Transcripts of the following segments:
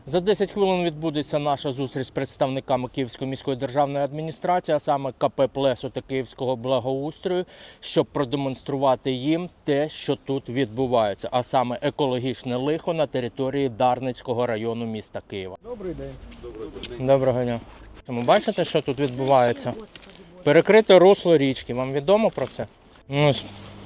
За 10 хвилин відбудеться наша зустріч з представниками Київської міської державної адміністрації, а саме КП «Плесо» та Київського благоустрою, щоб продемонструвати їм те, що тут відбувається, а саме екологічне лихо на території Дарницького району міста Києва. Добрий день. Доброго дня. Ви бачите, що тут відбувається? Перекрите русло річки. Вам відомо про це? Ось.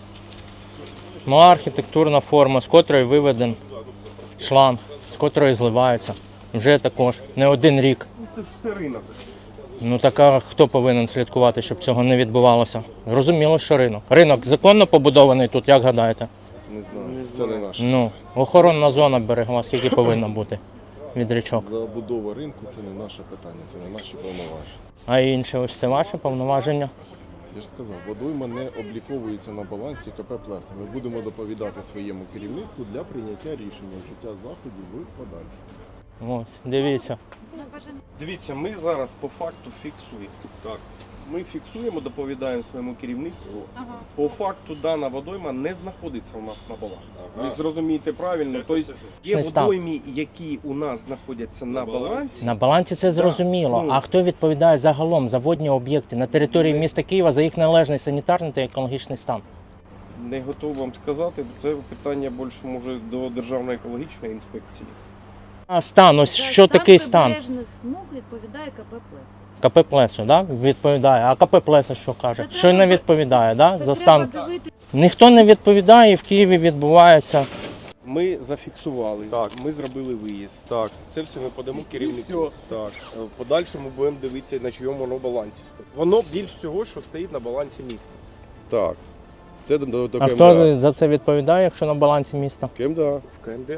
Мала архітектурна форма, з котрої виведен шланг, з котрої зливається. Вже також не один рік. Це ж все ринок. Ну так а хто повинен слідкувати, щоб цього не відбувалося? Зрозуміло, що ринок. Ринок законно побудований тут, як гадаєте? Не знаю, це не наше. Ну, охоронна зона берегова, скільки повинна бути від річок. Забудова ринку – це не наше питання, це не наші повноваження. А інше, ось це ваше повноваження? Я ж сказав, водойма не обліковується на балансі КП «Плесо». Ми будемо доповідати своєму керівництву для прийняття рішення вжиття заходів в подальшому. Ось, дивіться. Дивіться, ми зараз по факту фіксуємо. Так. Ми фіксуємо, доповідаємо своєму керівництву. По факту дана водойма не знаходиться у нас на балансі. Ви зрозумієте правильно. Тобто є водойми, які у нас знаходяться на балансі. На балансі це зрозуміло. Ну. А хто відповідає загалом за водні об'єкти на території міста Києва за їх належний санітарний та екологічний стан? Не готовий вам сказати, це питання більше може до Державної екологічної інспекції. А стан, ось що такий стан? Прибережних смуг відповідає КП «Плесо». КП «Плесо», да? Відповідає. А КП «Плесо» що каже? Це Що не треба- відповідає, да? Це За стан? треба дивитися. Ніхто не відповідає, і в Києві відбувається. Ми зафіксували, Так. ми зробили виїзд. Так. Це все ми подамо керівництву. Так. В подальшому будемо дивитися, на чому воно балансі стоїть. Воно більш всього, що стоїть на балансі міста. Так. Це до А хто за це відповідає, якщо на балансі міста? КМДА. В КМДА.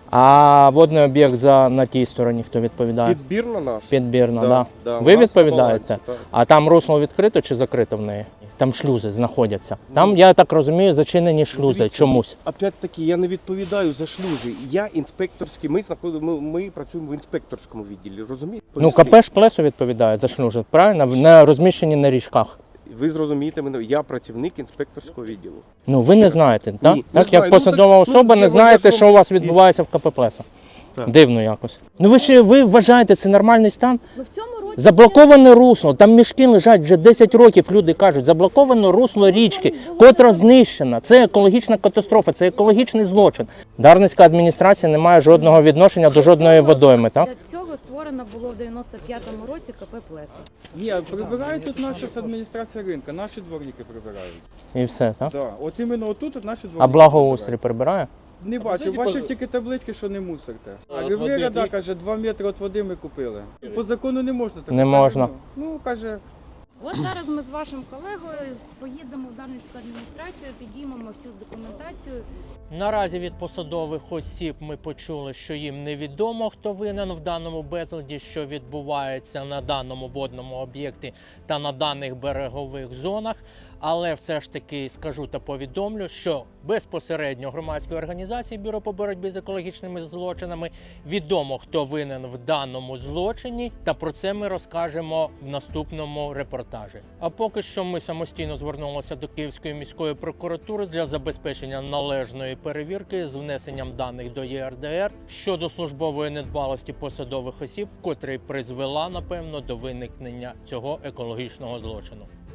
А водний об'єкт на тій стороні хто відповідає? Підбірна наша. Підбірна, да. Да, Ви у нас на відповідаєте? балансі, так. А там русло відкрито чи закрито в неї? Там шлюзи знаходяться. Там, я так розумію, зачинені шлюзи дивіться, чомусь. Опять-таки, я не відповідаю за шлюзи. Я інспекторський, ми працюємо в інспекторському відділі, розумієте? Ну, КП ж «Плесо» відповідає за шлюзи, правильно? Не розміщені на річках. Ви зрозумієте мене, я працівник інспекторського відділу. Ну, ви не знаєте, так? Ні, не Так, знаю. як Ну, посадова так, особа я не знаєте, вважаю, що у вас відбувається в КП «Плесо». Так. Дивно якось. Ну, ви вважаєте, це нормальний стан? Ну, в цьому році Заблоковане русло, там мішки лежать вже 10 років, люди кажуть, заблоковане русло річки, котра знищена. Це екологічна катастрофа, це екологічний злочин. Дарницька адміністрація не має жодного відношення до жодної водойми, так? Для цього створено було в 95-му році КП «Плесо». Ні, прибирають тут наша адміністрація ринку, наші дворники прибирають. І все, так? Да. От іменно отут наші дворники. А благоустрій прибирає? Не бачив, бачив тільки таблички, що не мусорте. А Рівлера, да, каже, 2 метри від води ми купили. По закону не можна так. Не можна. Ну, каже, От зараз ми з вашим колегою поїдемо в Дарницьку адміністрацію, підіймемо всю документацію. Наразі від посадових осіб ми почули, що їм невідомо, хто винен в даному безладі, що відбувається на даному водному об'єкті та на даних берегових зонах. Але все ж таки скажу та повідомлю, що безпосередньо громадської організації Бюро по боротьбі з екологічними злочинами відомо, хто винен в даному злочині, та про це ми розкажемо в наступному репортажі. А поки що ми самостійно звернулися до Київської міської прокуратури для забезпечення належної перевірки з внесенням даних до ЄРДР щодо службової недбалості посадових осіб, котра й призвела, напевно, до виникнення цього екологічного злочину.